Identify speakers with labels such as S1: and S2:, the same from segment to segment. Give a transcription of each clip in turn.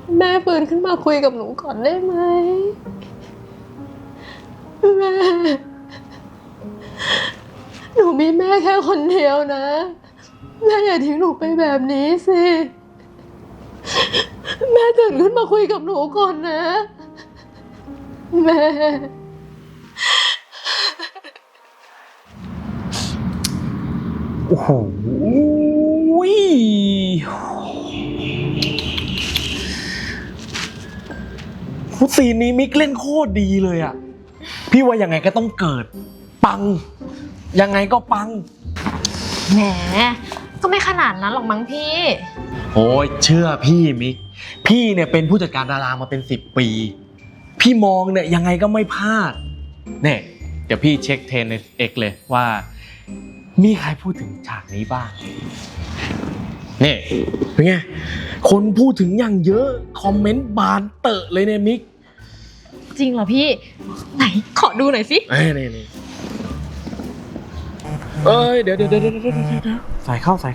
S1: แม่ฟื้นขึ้นมาคุยกับหนูก่อนได้ไหมแม่หนูมีแม่แค่คนเดียวนะแม่อย่าทิ้งหนูไปแบบนี้สิแม่ตื่นขึ้นมาคุยกับหนูก่อนนะแม่
S2: โอ้โหซีนนี้มิกเล่นโคตรดีเลยอ่ะพี่ว่ายังไงก็ต้องเกิดปังยังไงก็ปัง
S3: แหมก็ไม่ขนาดนั้นหรอกมั้งพี่
S2: โอ้ยเชื่อพี่มิกพี่เนี่ยเป็นผู้จัดการดารามาเป็น10 ปีพี่มองเนี่ยยังไงก็ไม่พลาดเนี่ยเดี๋ยวพี่เช็คเทรนในเอกเลยว่ามีใครพูดถึงฉากนี้บ้างนี่เป็นไงคนพูดถึงอย่างเยอะคอมเมนต์บานเตอะเลยเนี่ยมิก
S3: จริงเหรอพี่ไหนขอดูหน่อยสิ
S2: นี่เดี๋ยวใส่เข้า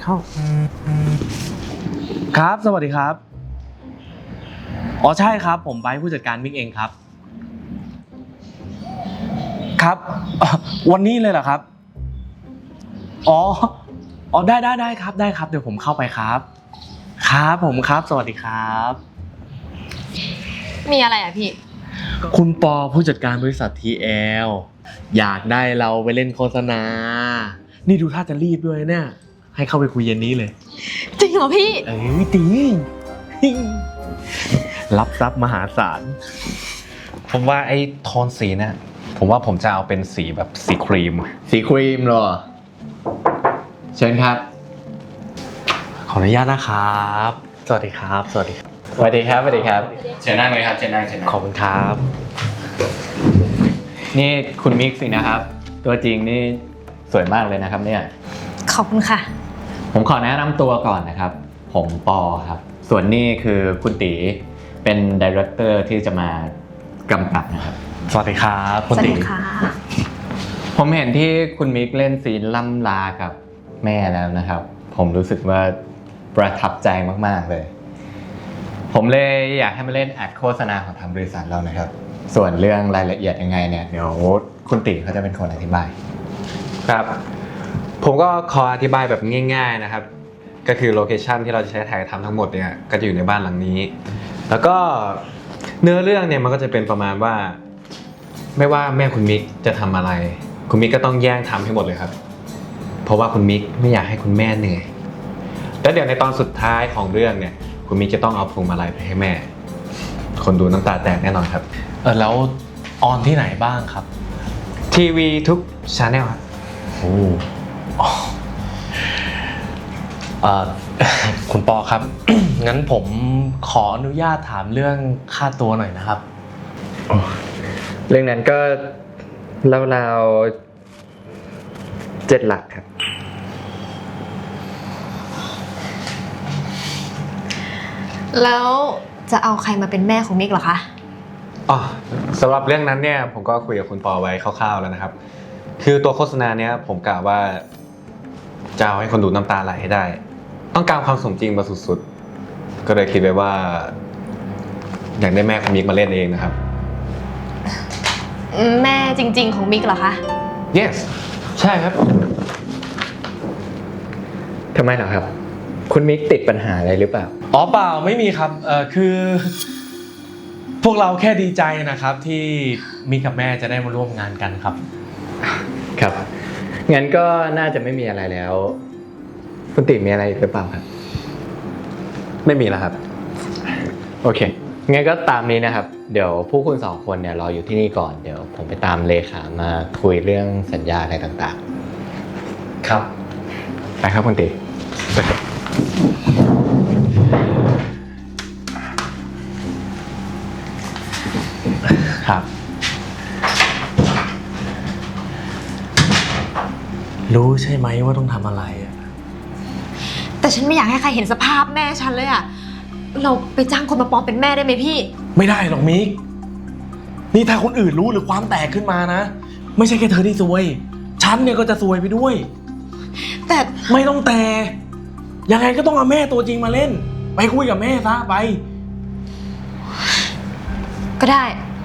S2: ครับสวัสดีครับอ๋อใช่ครับผมไบร์ทผู้จัดการมิกเองครับครับวันนี้เลยเหรอครับอ๋อได้ครับได้ครับเดี๋ยวผมเข้าไปครับครับผมครับสวัสดีครับ
S3: มีอะไรอ่ะพี่
S2: คุณปอผู้จัดการบริษัท TL อยากได้เราไปเล่นโฆษณานี่ดูท่าจะรีบด้วยเนี่ยให้เข้าไปคุยเย็นนี้เลย
S3: จริงเหรอพี่
S2: จริงรับทรัพย์มหาศาล
S4: ผมว่าไอ้โทนสีเนี่ยผมว่าผมจะเอาเป็นสีแบบสีครีม
S5: เหรอเชิญครับ
S2: ขออนุญาตนะครับสวัสดีครับ
S5: สวัสดีครับเชิญนั่งเลยครับเชิญนั่ง
S2: ขอบคุณครับ
S5: นี่คุณมิกสินะครับตัวจริงนี่สวยมากเลยนะครับเนี่ย
S3: ขอบคุณค่ะ
S5: ผมขอแนะนำตัวก่อนนะครับผมปอครับส่วนนี่คือคุณตีเป็นดีเรคเตอร์ที่จะมากำกับนะครับ
S2: สวัสดีครับคุณตี
S5: ผมเห็นที่คุณมิกเล่นซีนล่ำลากับแม่แล้วนะครับผมรู้สึกว่าประทับใจมากๆเลยผมเลยอยากให้มาเล่นแอดโฆษณาของทางบริษัทเรานะครับส่วนเรื่องรายละเอียดยังไงเนี่ยเดี๋ยวคุณติเขาจะเป็นคนอธิบาย
S4: ครับผมก็ขออธิบายแบบง่ายๆนะครับก็คือโลเคชั่นที่เราจะใช้ถ่ายทำทั้งหมดเนี่ยก็จะอยู่ในบ้านหลังนี้แล้วก็เนื้อเรื่องเนี่ยมันก็จะเป็นประมาณว่าไม่ว่าแม่คุณมิกจะทำอะไรคุณมิกก็ต้องแย่งทำให้หมดเลยครับเพราะว่าคุณมิกไม่อยากให้คุณแม่เหนื่อยแล้วเดี๋ยวในตอนสุดท้ายของเรื่องเนี่ยคุณมิกจะต้องเอาพวงมาลัยไปให้แม่คนดูน้ำตาแตกแน่นอนครับ
S2: แล้วออนที่ไหนบ้างครับ
S4: ทีวีทุกชาแนลครับ
S2: คุณปอครับ งั้นผมขออนุญาตถามเรื่องค่าตัวหน่อยนะครับ
S5: เรื่องนั้นก็ราวๆ7 หลักครับ
S3: แล้วจะเอาใครมาเป็นแม่ของมิกเหรอคะ
S4: อ๋อสำหรับเรื่องนั้นเนี่ยผมก็คุยกับคุณปอไว้คร่าวๆแล้วนะครับคือตัวโฆษณาเนี้ยผมกะว่าจะเอาให้คนดูน้ำตาไหลให้ได้ต้องการความสมจริงมาสุดๆก็เลยคิดไว้ว่าอยากได้แม่ของมิกมาเล่นเองนะครับ
S3: แม่จริงๆของมิกเหรอคะ
S4: yes ใช่ครับ
S5: ทำไมเหรอครับคุณมิกติดปัญหาอะไรหรือเปล่า
S2: อ๋อเปล่าไม่มีครับคือพวกเราแค่ดีใจนะครับที่มิกกับแม่จะได้มาร่วมงานกันครับ
S5: ครับงั้นก็น่าจะไม่มีอะไรแล้วคุณติมีอะไรหรือเปล่าครับ
S4: ไม่มีแล้วครับ
S5: โอเคงั้นก็ตามนี้นะครับเดี๋ยวพวกคุณ2 คนเนี่ยรออยู่ที่นี่ก่อนเดี๋ยวผมไปตามเลขามาคุยเรื่องสัญญาอะไรต่าง
S2: ๆครับ
S5: ไปครับคุณติไปครับ
S2: ครับรู้ใช่ไหมว่าต้องทำอะไรอ่ะ
S3: แต่ฉันไม่อยากให้ใครเห็นสภาพแม่ฉันเลยอ่ะเราไปจ้างคนมาปลอมเป็นแม่ได้ไหมพี่
S2: ไม่ได้หรอกมิกนี่ถ้าคนอื่นรู้หรือความแตกขึ้นมานะไม่ใช่แค่เธอที่ซวยฉันเนี่ยก็จะซวยไปด้วย
S3: แต่
S2: ไม่ต้องแต่ยังไงก็ต้องเอาแม่ตัวจริงมาเล่นไปคุยกับแม่ซะไป
S3: ก็ได้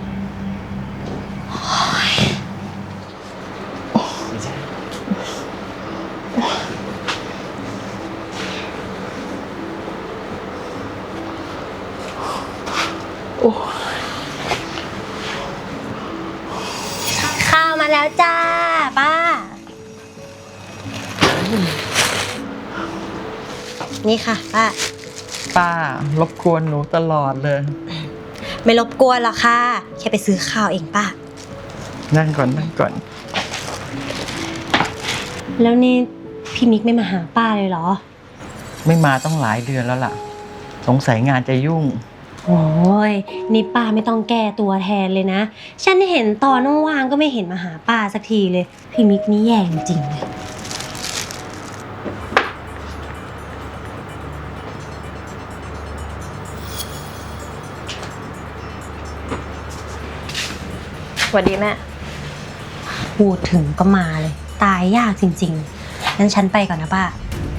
S6: ข้าวมาแล้วจ้าป้า นี่ค่ะป้า
S7: ป้ารบกวนหนูตลอดเลย
S6: ไม่รบกวนหรอกค่ะ แค่ไปซื้อข้าวเองป้า
S7: นั่งก่อนนั่งก่อน
S6: แล้วนี่พี่มิกไม่มาหาป้าเลยเหรอ
S7: ไม่มาต้องหลายเดือนแล้วล่ะ สงสัยงานจะยุ่ง
S6: โอ้ยนี่ป้าไม่ต้องแก้ตัวแทนเลยนะ ฉันเห็นตอนว่างๆก็ไม่เห็นมาหาป้าสักทีเลย พี่มิกนี่แย่จริงๆเลย
S3: สวัสดีแม่
S6: พูดถึงก็มาเลย ตายยากจริงๆ งั้นฉันไปก่อนนะป้า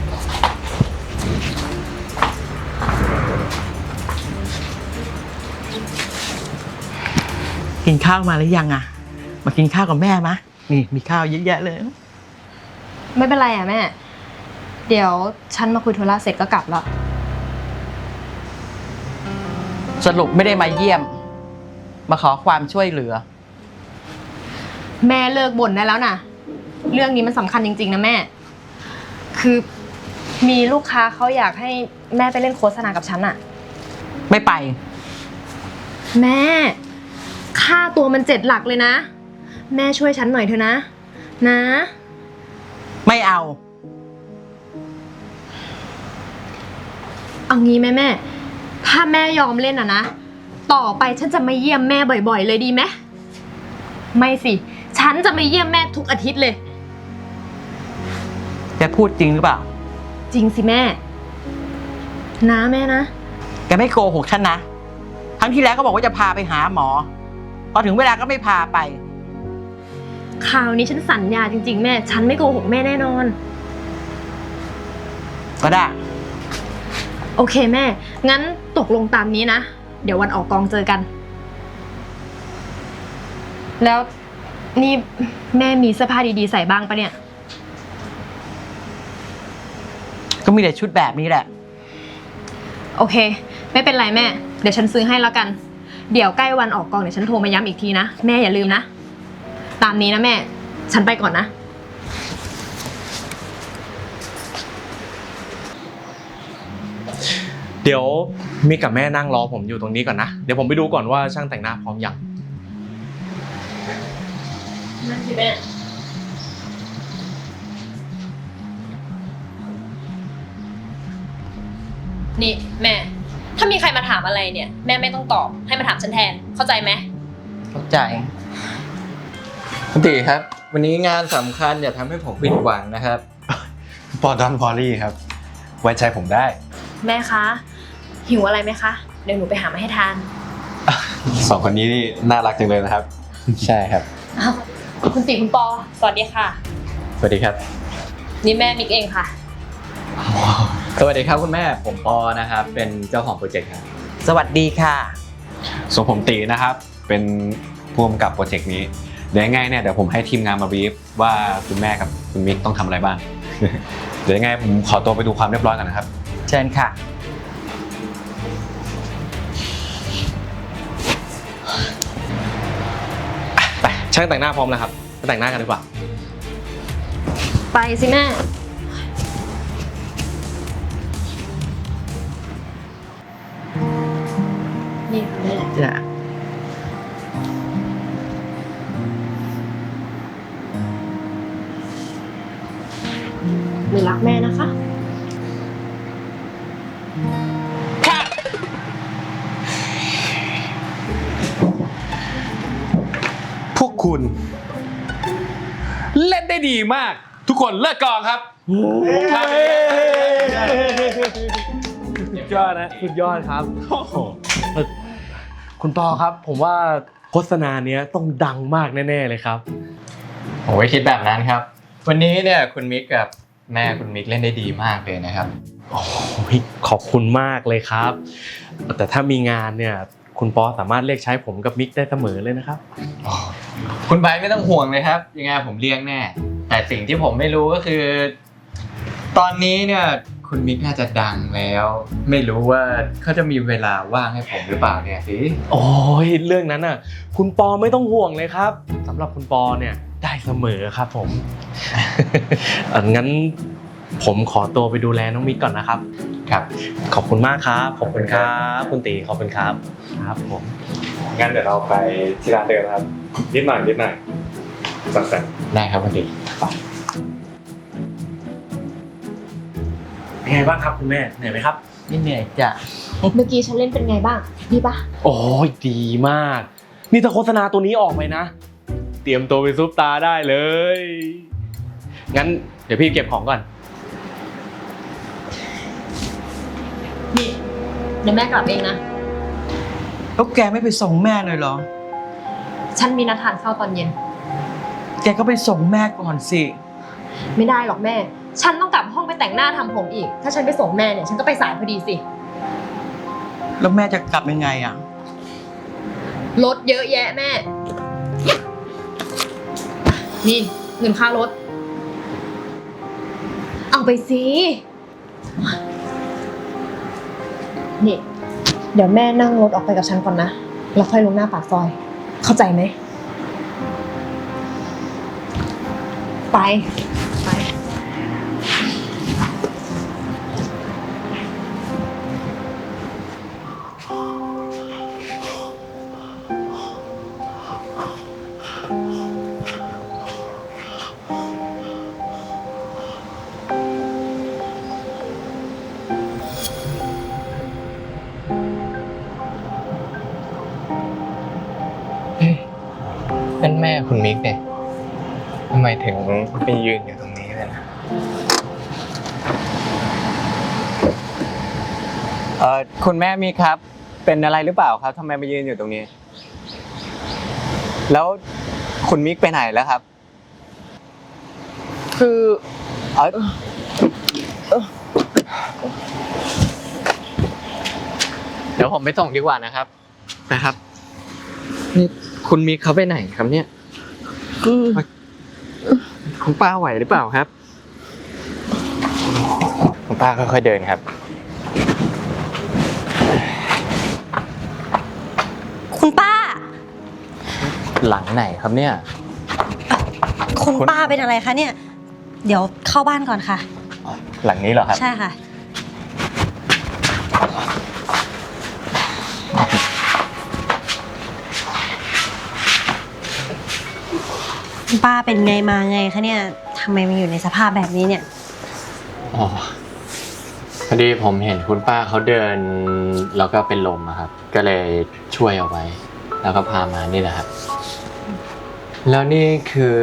S7: กินข้าวมาหรือยังอ่ะ มากินข้าวกับแม่มะนี่มีข้าวเยอะแยะเลย
S3: ไม่เป็นไรอ่ะแม่ เดี๋ยวฉันมาคุยธุระเสร็จก็กลับแล้ว
S7: สรุปไม่ได้มาเยี่ยม มาขอความช่วยเหลือ
S3: แม่เลิกบ่นได้แล้วนะเรื่องนี้มันสำคัญจริงๆนะแม่ คือมีลูกค้าเขาอยากให้แม่ไปเล่นโฆษณากับฉันอะ
S7: ไม่ไป
S3: แม่ ค่าตัวมัน7 หลักเลยนะ แม่ช่วยฉันหน่อยเถอะนะ นะ
S7: ไม่เอา
S3: เอางี้แม่ถ้าแม่ยอมเล่นอะนะ ต่อไปฉันจะมาเยี่ยมแม่บ่อยๆเลยดีไหมไม่สิ ฉันจะมาเยี่ยมแม่ทุกอาทิตย์เลย
S7: แกพูดจริงหรือเปล่า
S3: จริงสิแม่ นะแม่นะ
S7: แกไม่โกหกฉันนะ ครั้งที่แล้วก็บอกว่าจะพาไปหาหมอ พอถึงเวลาก็ไม่พาไป
S3: คราวนี้ฉันสัญญาจริงๆแม่ ฉันไม่โกหกแม่แน่นอน
S7: ก็ได้
S3: โอเคแม่ งั้นตกลงตามนี้นะ เดี๋ยววันออกกองเจอกัน แล้วนี่แม่มีเสื้อผ้าดีๆใส่บ้างปะเนี่ย
S7: ก็มีแต่ชุดแบบนี้แหละ
S3: โอเค ไม่เป็นไรแม่ เดี๋ยวฉันซื้อให้แล้วกัน เดี๋ยวใกล้วันออกกองเดี๋ยวฉันโทรมาย้ำอีกทีนะ แม่อย่าลืมนะ ตามนี้นะแม่ ฉันไปก่อนนะ
S2: เดี๋ยวมิกกับแม่นั่งรอผมอยู่ตรงนี้ก่อนนะ เดี๋ยวผมไปดูก่อนว่าช่างแต่งหน้าพร้อมยัง
S3: นั่นสิแม่ นี่แม่ ถ้ามีใครมาถามอะไรเนี่ย แม่ไม่ต้องตอบ ให้มาถามฉันแทน เข้าใจไหม
S7: เข้าใจ
S5: คุณตีครับ วันนี้งานสำคัญอย่าทำให้ผมผิดหวังนะครับ
S4: ปอดอนพอลี่ครับ ไว้ใจผมได้
S3: แม่คะ หิวอะไรไหมคะ เดี๋ยวหนูไปหามาให้ทาน
S4: สองคนนี้นี่น่ารักจังเลยนะครับ
S5: ใช่ครับ
S3: อ้าว คุณติคุณปอ สวัสดีค่ะ
S5: สวัสดีครับ
S3: นี่แม่มิกเองค่ะ
S5: สวัสดีครับคุณแม่ ผมปอนะครับ เป็นเจ้าของโปรเจกต์ครับ
S7: สวัสดีค่ะ
S4: ส่วนผมตีนะครับ เป็นผู้กำกับโปรเจกต์นี้ เดี๋ยวยังไงเนี่ยเดี๋ยวผมให้ทีมงานมาบีฟว่าคุณแม่กับคุณมิกต้องทำอะไรบ้าง เดี๋ยวยังไงผมขอตัวไปดูความเรียบร้อยกันนะครับ
S7: เชิญค่ะ
S2: ไปช่างแต่งหน้าพร้อมแล้วครับไปแต่งหน้ากันดีกว่า
S3: ไปสิแม่ นี่ค่ะแม่
S7: จ้ะ
S3: หนูรักแม่นะคะ
S4: พวกคุณ เล่นได้ดีมาก ทุกคนเลิกกองครับ
S2: สุดยอดนะสุดยอดครับคุณปอครับ ผมว่าโฆษณาเนี้ยต้องดังมากแน่ๆเลยครับ
S5: ผมไม่คิดแบบนั้นครับ วันนี้เนี่ยคุณมิกกับแม่คุณมิกเล่นได้ดีมากเลยนะครับ
S2: โอ้ยขอบคุณมากเลยครับ แต่ถ้ามีงานเนี่ยคุณปอสามารถเรียกใช้ผมกับมิกได้เสมอเลยนะครับ
S5: คุณไบร์ทไม่ต้องห่วงเลยครับ ยังไงผมเลี้ยงแน่ แต่สิ่งที่ผมไม่รู้ก็คือ ตอนนี้เนี่ยคุณมิกน่าจะดังแล้ว ไม่รู้ว่าเขาจะมีเวลาว่างให้ผมหรือเปล่าเนี่ยสิ
S2: โอ้ยเรื่องนั้นน่ะ คุณปอไม่ต้องห่วงเลยครับสำหรับคุณปอเนี่ยได้เสมอครับผม งั้นผมขอตัวไปดูแลน้องมิกก่อนนะครับ
S5: ครับ
S2: ขอบคุณมากครับขอบคุณครับคุณตีขอบคุณครับครับผม
S4: งั้นเดี๋ยวเราไปที่ร้านเดิมครับนิดหน่อยสั่ง
S5: ได้ครับคุณดิ
S2: เป็นไงบ้างครับคุณแม่เหนื่อยไหมครับ
S7: นี่เหนื่อยจ้ะ
S3: เมื่อกี้ฉันเล่นเป็นไงบ้างดีปะ
S2: โอ้ยดีมาก นี่ถ้าโฆษณาตัวนี้ออกไปนะ เตรียมตัวเป็นซุปตาร์ได้เลย งั้นเดี๋ยวพี่เก็บของก่อน
S3: นี่เดี๋ยวแม่กลับเองนะ
S7: แล้วแกไม่ไปส่งแม่เลยเหรอ
S3: ฉันมีนัดทานข้าวตอนเย็น
S7: แกก็ไปส่งแม่ก่อนสิ
S3: ไม่ได้หรอกแม่ ฉันต้องกลับห้องไปแต่งหน้าทำผมอีก ถ้าฉันไปส่งแม่เนี่ยฉันก็ไปสายพอดีสิ
S7: แล้วแม่จะกลับยังไงอ่ะ
S3: รถเยอะแยะแม่ นี่เงินค่ารถ เอาไปสิ นี่ เดี๋ยวแม่นั่งรถออกไปกับฉันก่อนนะ แล้วค่อยลงหน้าปากซอย เข้าใจไหม ไป ไป
S5: นั่นแม่คุณมิกเนี่ยทำไมถึงไปยืนอยู่ตรงนี้เลยนะคุณแม่มิกครับ เป็นอะไรหรือเปล่าครับทำไมมายืนอยู่ตรงนี้ แล้วคุณมิกไปไหนแล้วครับ คือเดี๋ยวผมไปส่งดีกว่านะครับนี่คุณมิกเขาไปไหนครับเนี่ยคุณป้าไหวหรือเปล่าครับคุณป้าค่อยๆเดินครับ
S6: คุณป้า
S5: หลังไหนครับเนี่ย
S6: คุณป้าเป็นอะไรคะเนี่ย เดี๋ยวเข้าบ้านก่อนค่ะ
S5: หลังนี้เหรอครับ
S6: ใช่ค่ะ คุณป้าเป็นไงมาไงคะเนี่ยทำไมมาอยู่ในสภาพแบบนี้เนี่ย
S5: อ๋อพอดีผมเห็นคุณป้าเขาเดินแล้วก็เป็นลมอะครับ ก็เลยช่วยเอาไว้ แล้วก็พามานี่แหละครับ แล้วนี่คือ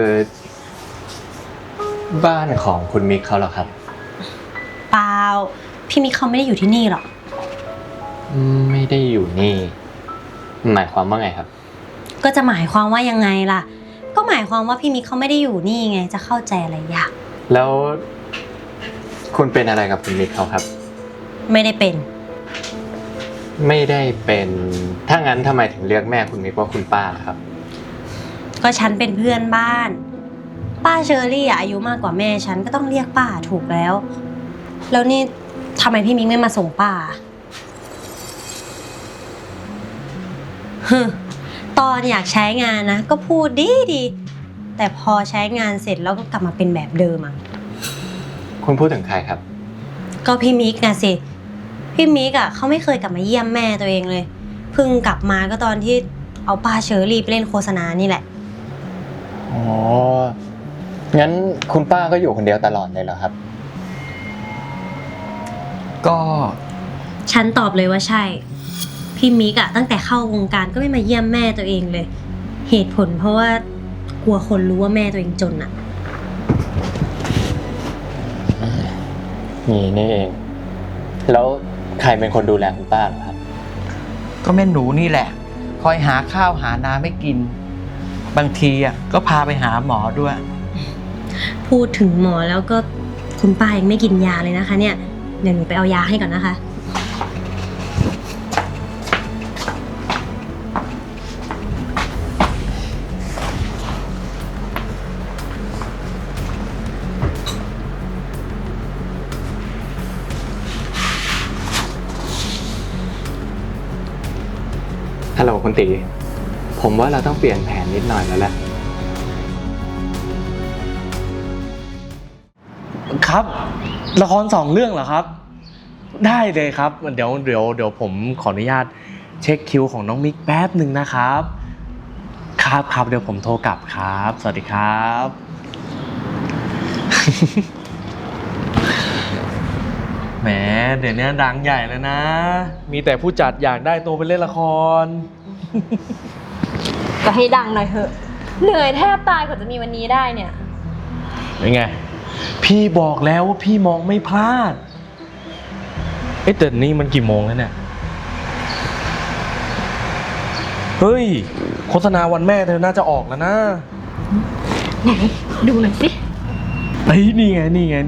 S5: บ้านของคุณมิกเขาเหรอครับ
S6: เปล่า พี่มิกเขาไม่ได้อยู่ที่นี่หรอก
S5: ไม่ได้อยู่นี่ หมายความว่าไงครับ
S6: ก็จะหมายความว่ายังไงล่ะ ก็หมายความว่าพี่มิกเขาไม่ได้อยู่นี่ไง จะเข้าใจอะไรยาก
S5: แล้วคุณเป็นอะไรกับคุณมิกเขาครับ
S6: ไม่ได้เป็น
S5: ไม่ได้เป็น ถ้างั้นทำไมถึงเรียกแม่คุณมิกว่าคุณป้าล่ะครับ
S6: ก็ฉันเป็นเพื่อนบ้าน ป้าเชอรี่อายุมากกว่าแม่ฉันก็ต้องเรียกป้าถูกแล้ว แล้วนี่ทำไมพี่มิกไม่มาส่งป้าฮึตอนอยากใช้งานนะก็พูดดีแต่พอใช้งานเสร็จแล้วก็กลับมาเป็นแบบเดิมอ่ะ
S5: คุณพูดถึงใครครับ
S6: ก็พี่มิกนะสิพี่มิกอ่ะเขาไม่เคยกลับมาเยี่ยมแม่ตัวเองเลยเพิ่งกลับมาก็ตอนที่เอาป้าเชอรี่ไปเล่นโฆษณานี่แหละ
S5: อ๋อ งั้นคุณป้าก็อยู่คนเดียวตลอดเลยเหรอครับ
S7: ก็
S6: ฉันตอบเลยว่าใช่ พี่มิกอะตั้งแต่เข้าวงการก็ไม่มาเยี่ยมแม่ตัวเองเลย เหตุผลเพราะว่ากลัวคนรู้ว่าแม่ตัวเองจนอะ
S5: นี่เอง แล้วใครเป็นคนดูแลคุณป้าเหรอครับ
S7: ก็แม่หนูนี่แหละ คอยหาข้าวหาน้ำให้กิน บางทีอ่ะก็พาไปหาหมอด้วย
S6: พูดถึงหมอแล้วก็คุณป้ายังไม่กินยาเลยนะคะเนี่ยเดี๋ยวหนูไปเอายาให้ก่อนนะคะ
S5: ฮัลโหลคุณตี ผมว่าเราต้องเปลี่ยนแผนนิดหน่อยแล้วแหละ
S2: ครับ ละคร2 เรื่องเหรอครับ ได้เลยครับเดี๋ยวผมขออนุญาตเช็คคิวของน้องมิกแป๊บหนึ่งนะครับครับเดี๋ยวผมโทรกลับครับ สวัสดีครับ แหมเดี๋ยวนี้ดังใหญ่แล้วนะ มีแต่ผู้จัดอยากได้ตัวไปเล่นละคร
S3: ก็ให้ดังหน่อยเถอะ เหนื่อยแทบตายกว่าจะมีวันนี้ได้เนี่ย
S2: เป็นไง พี่บอกแล้วว่าพี่มองไม่พลาด แต่นี่มันกี่โมงแล้วเนี่ย เฮ้ย โฆษณาวันแม่เธอน่าจะออกแล้วนะ
S3: ไหน ดูหน่อยสิ
S2: เฮ้ยนี่ไง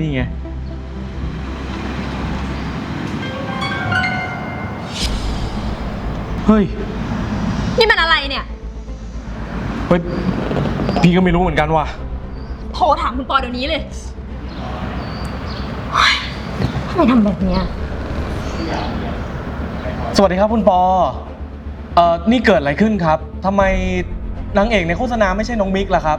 S2: เฮ้ย
S3: นี่มันอะไรเนี่ย
S2: เฮ้ย พี่ก็ไม่รู้เหมือนกันว่ะ
S3: โทรถามคุณปอเดี๋ยวนี้เลยเฮ้ยทำไมทำแบบเนี้ย
S2: สวัสดีครับคุณปอ นี่เกิดอะไรขึ้นครับ ทำไมนางเอกในโฆษณาไม่ใช่น้องมิกล่ะครับ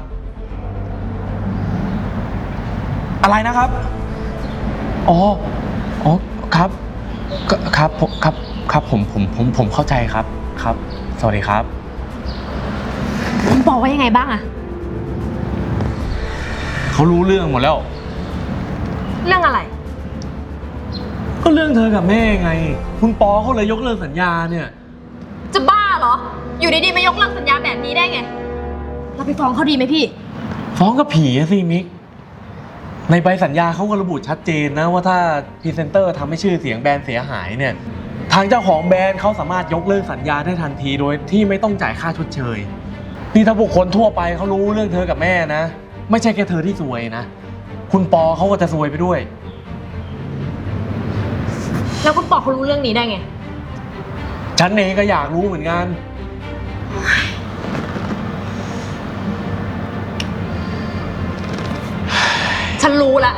S2: อะไรนะครับ อ๋อครับผมเข้าใจครับ ครับ สวัสดีครับ
S3: คุณปอว่ายังไงบ้างอะ
S2: เขารู้เรื่องหมดแล้ว
S3: เรื่องอะไร
S2: ก็เรื่องเธอกับแม่ไง คุณปอเขาเลยยกเลิกสัญญาเนี่ย
S3: จะบ้าเหรอ อยู่ดีๆมายกเลิกสัญญาแบบนี้ได้ไง เราไปฟ้องเขาดีไหมพี่
S2: ฟ้องกับผีอะสิมิก ในใบสัญญาเขาก็ระบุชัดเจนนะว่าถ้าพรีเซนเตอร์ทำให้ชื่อเสียงแบรนด์เสียหายเนี่ย ทางเจ้าของแบรนด์เขาสามารถยกเลิกสัญญาได้ทันทีโดยที่ไม่ต้องจ่ายค่าชดเชย นี่ถ้าบุคคลทั่วไปเขารู้เรื่องเธอกับแม่นะ ไม่ใช่แค่เธอที่ซวยนะ คุณปอเขาก็จะซวยไปด้วย
S3: แล้วคุณปอเขารู้เรื่องนี้ได้ไง
S2: ฉันเองก็อยากรู้เหมือนกัน
S3: ฉันรู้ละ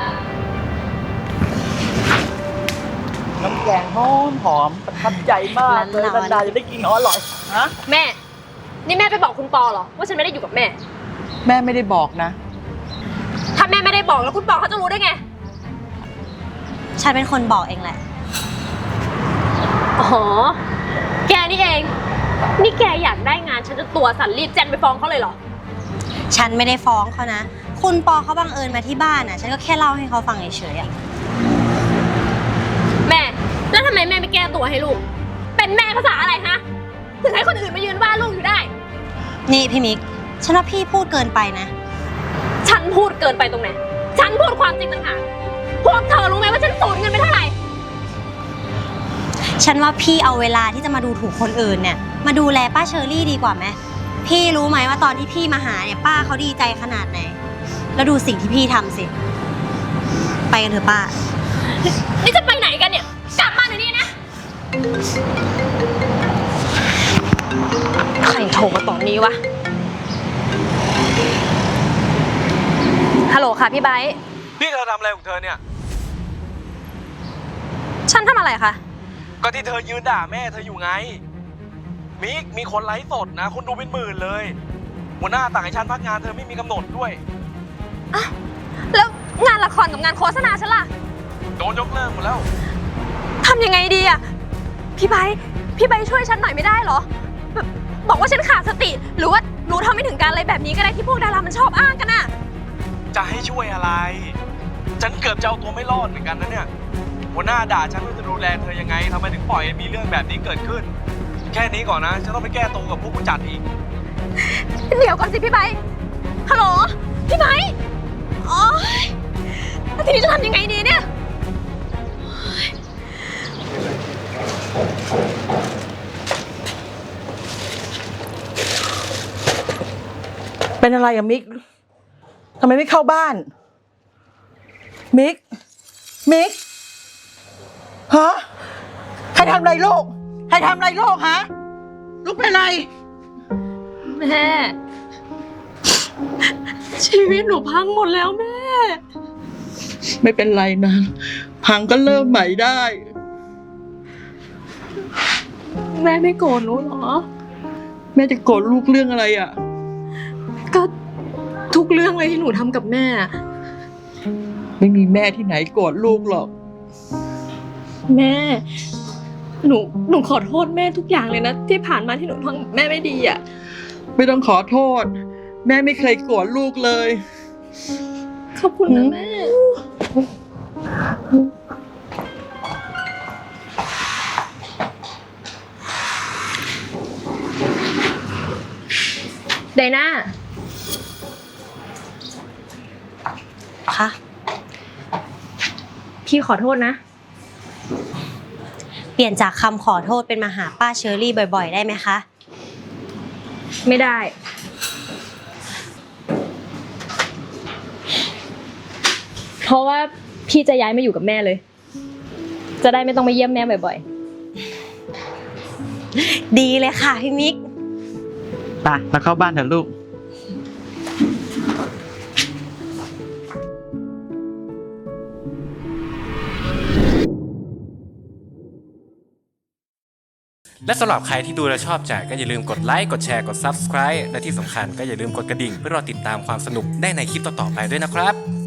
S7: น้ำแกงหอมประทับใจมากเลยนันดาจะได้กินของอร่อยฮะ
S3: แม่ นี่แม่ไปบอกคุณปอเหรอว่าฉันไม่ได้อยู่กับแม่
S7: แม่ไม่ได้บอกนะ
S3: ถ้าแม่ไม่ได้บอกแล้วคุณปอเขาจะรู้ได้ไง
S6: ฉันเป็นคนบอกเองแหละ
S3: อ๋อ แกนี่เอง นี่แกอยากได้งานฉันจะตัวสั่นรีบแจ้งไปฟ้องเขาเลยเหรอ
S6: ฉันไม่ได้ฟ้องเขานะ คุณปอเขาบังเอิญมาที่บ้านน่ะ ฉันก็แค่เล่าให้เขาฟังเฉยๆอะ
S3: แม่ แล้วทำไมแม่ไม่แก้ตัวให้ลูก เป็นแม่ภาษาอะไรฮะ ถึงให้คนอื่นมายืนว่าลูกอยู่ได้
S6: นี่พี่มิก ฉันว่าพี่พูดเกินไปนะ
S3: ฉันพูดเกินไปตรงไหน ฉันพูดความจริงต่างหาก พวกเธอรู้ไหมว่าฉันสูญเงินไปเท่าไหร่
S6: ฉันว่าพี่เอาเวลาที่จะมาดูถูกคนอื่นเนี่ย มาดูแลป้าเชอรี่ดีกว่าไหม พี่รู้ไหมว่าตอนที่พี่มาหาเนี่ยป้าเขาดีใจขนาดไหน แล้วดูสิ่งที่พี่ทำสิ ไปกันเถอะป้า
S3: นี่จะไปไหนกันเนี่ย กลับมาเดี๋ยวนี้นะ ใครโทรมาตอนนี้วะ ฮัลโหลค่ะพี่ไบร์ท
S2: นี่เธอทำอะไรของเธอเนี่ย
S3: ฉันทำอะไรคะ
S2: ก็ที่เธอยืนด่าแม่เธออยู่ไง มิกมีคนไลฟ์สดนะ คนดูเป็นหมื่นเลย หัวหน้าต่างให้ฉันพักงานเธอไม่มีกำหนดด้วย
S3: แล้วงานละครกับงานโฆษณาฉันล่ะ
S2: โดนยกเลิกหมดแล้ว
S3: ทำยังไงดีอะพี่ไบร์ทช่วยฉันหน่อยไม่ได้เหรอแบบบอกว่าฉันขาดสติ หรือว่ารู้เท่าไม่ถึงการอะไรแบบนี้ก็ได้ที่พวกดารามันชอบอ้างกันอะ
S2: จะให้ช่วยอะไร ฉันเกือบจะเอาตัวไม่รอดเหมือนกันนะเนี่ย หัวหน้าด่าฉันว่าจะดูแลเธอยังไงทำไมถึงปล่อยให้มีเรื่องแบบนี้เกิดขึ้น แค่นี้ก่อนนะ ฉันต้องไปแก้ตัวกับพวกผู้จัดอีก
S3: เดี๋ยวก่อนสิพี่ไบร์ทฮัลโหลพี่ไบร์ทโอ๊ยแล้วทีนี้จะทำยังไงดีเนี่ย
S7: เป็นอะไรอะมิกทำไมไม่เข้าบ้าน มิกฮะใครทำอะไรลูกใครทำอะไรลูกฮะลูกเป็นไร
S1: แม่ ชีวิตหนูพังหมดแล้วแม่
S7: ไม่เป็นไรนะ พังก็เริ่มใหม่ได้
S1: แม่ไม่โกรธหนูเหรอ
S7: แม่จะโกรธลูกเรื่องอะไรอ่ะ
S3: ก็ทุกเรื่องเลยที่หนูทำกับแม่
S7: ไม่มีแม่ที่ไหนโกรธลูกหรอก
S3: แม่ หนูขอโทษแม่ทุกอย่างเลยนะ ที่ผ่านมาที่หนูทำกับแม่ไม่ดีอ่ะ
S7: ไม่ต้องขอโทษ แม่ไม่เคยโกรธลูกเลย
S3: ขอบคุณนะแม่ ไดน่า
S6: ค่ะ
S3: พี่ขอโทษนะ
S6: เปลี่ยนจากคำขอโทษเป็นมาหาป้าเชอรี่บ่อยๆ ได้ไหมคะ
S3: ไม่ได้ เพราะว่าพี่จะย้ายมาอยู่กับแม่เลย จะได้ไม่ต้องมาเยี่ยมแม่บ่อย
S6: ดีเลยค่ะพี่มิก
S7: ไปเราเข้าบ้านเถอะลูก
S8: และสำหรับใครที่ดูและชอบใจก็อย่าลืมกดไลค์ กดแชร์ กด Subscribe และที่สำคัญก็อย่าลืมกดกระดิ่งเพื่อรอติดตามความสนุกได้ในคลิปต่อๆไปด้วยนะครับ